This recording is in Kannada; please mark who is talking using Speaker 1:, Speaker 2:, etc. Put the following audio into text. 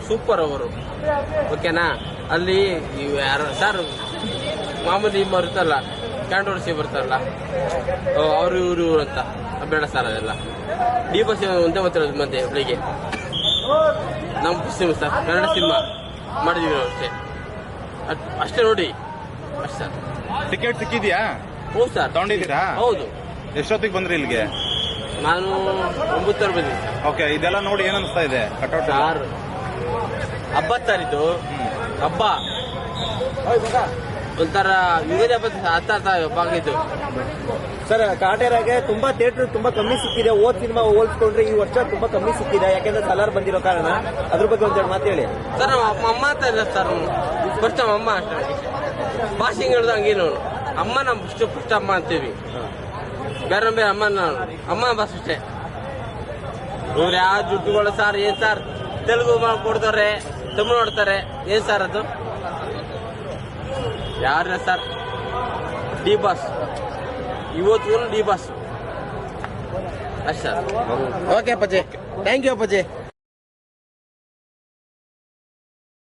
Speaker 1: ಸೂಪರ್ ಅವರು. ಓಕೆನಾ? ಅಲ್ಲಿ ಯಾರು ಸರ್ ಮಾಮೂಲಿ ಬರುತ್ತಲ್ಲ, ಕಾಂಟ್ರವರ್ಸಿ ಬರ್ತಾರಲ್ಲ, ಅವರು ಇವರು ಅಂತ ಬೇಡ ಸರ್. ಅದೆಲ್ಲ ಡಿ ಬಸ್ ಒಂದೇ ಮಾತಾಡೋದು ಮಧ್ಯೆ ಬೆಳಿಗ್ಗೆ. ನಮ್ಮ ಸಿನಿಮಾ ಸರ್, ಕನ್ನಡ ಸಿನಿಮಾ ಮಾಡಿದೀವಿ ನಾವು ಅಷ್ಟೇ ನೋಡಿ. ಅಷ್ಟೇ ಸರ್.
Speaker 2: ಟಿಕೆಟ್ ಸಿಕ್ಕಿದ್ಯಾ?
Speaker 1: ಹೌದು ಸರ್,
Speaker 2: ತಗೊಂಡಿದ್ದೀರಾ?
Speaker 1: ಹೌದು.
Speaker 2: ಎಷ್ಟೊತ್ತಿಗೆ ಬಂದ್ರಿ ಇಲ್ಲಿಗೆ?
Speaker 1: ನಾನು 9 ಬಂದಿದ್ದೀನಿ.
Speaker 2: ಓಕೆ, ಇದೆಲ್ಲ ನೋಡಿ ಏನ್ ಅನಿಸ್ತಾ ಇದೆ? ಕಟೌಟ್
Speaker 1: ಸರ್ ಹಬ್ಬ ಸರ್, ಇದು ಹಬ್ಬ ಒಂಥರ ಯುಗಾದಿ ಹಬ್ಬ ಹಬ್ಬ ಆಗಿದ್ದು
Speaker 3: ಸರ್. ಕಾಟೇರಾಗೆ ತುಂಬಾ ಥಿಯೇಟರ್ ತುಂಬಾ ಕಮ್ಮಿ ಸಿಕ್ಕಿದೆ. ಓದ್ ಸಿನಿಮಾ ಹೋಲ್ಸ್ಕೊಂಡ್ರೆ ಈ ವರ್ಷ ತುಂಬಾ ಕಮ್ಮಿ ಸಿಕ್ಕಿದೆ, ಯಾಕೆಂದ್ರೆ ಸಲಾರ್ ಬಂದಿರೋ ಕಾರಣ. ಅದ್ರ ಬಗ್ಗೆ ಒಂದೆರಡು ಮಾತು ಹೇಳಿ
Speaker 1: ಸರ್. ನಮ್ಮ ಅಮ್ಮ ಅಂತ ಇಲ್ಲ ಸರ್, ಫಸ್ಟ್ ನಮ್ಮ ಅಮ್ಮ ಅಷ್ಟೇ. ಭಾಷೆಗೆ ಹೇಳಿದ ಹಂಗೇನು ಅಮ್ಮ ನಮ್ಮ ಫಸ್ಟ್ ಅಮ್ಮ ಅಂತೀವಿ, ಬೇರೆ ಬೇರೆ ಅಮ್ಮ ಬಸ್ ಅಷ್ಟೇ. ಇವ್ರು ಯಾವ ದುಡ್ಡುಗಳು ಸರ್? ಏನ್ ಸರ್ ತೆಲುಗು ಕೊಡ್ತಾರೆ, ತಮಿಳು ನೋಡ್ತಾರೆ, ಏನ್ ಸರ್ ಅದು? ಯಾರ ಸರ್? ಡಿ ಬಾಸ್ ಇವತ್ತು ಡಿ ಬಾಸ್ ಅಷ್ಟೇ sir.
Speaker 3: Okay Appaji, thank you ಅಪ್ಪಾಜಿ.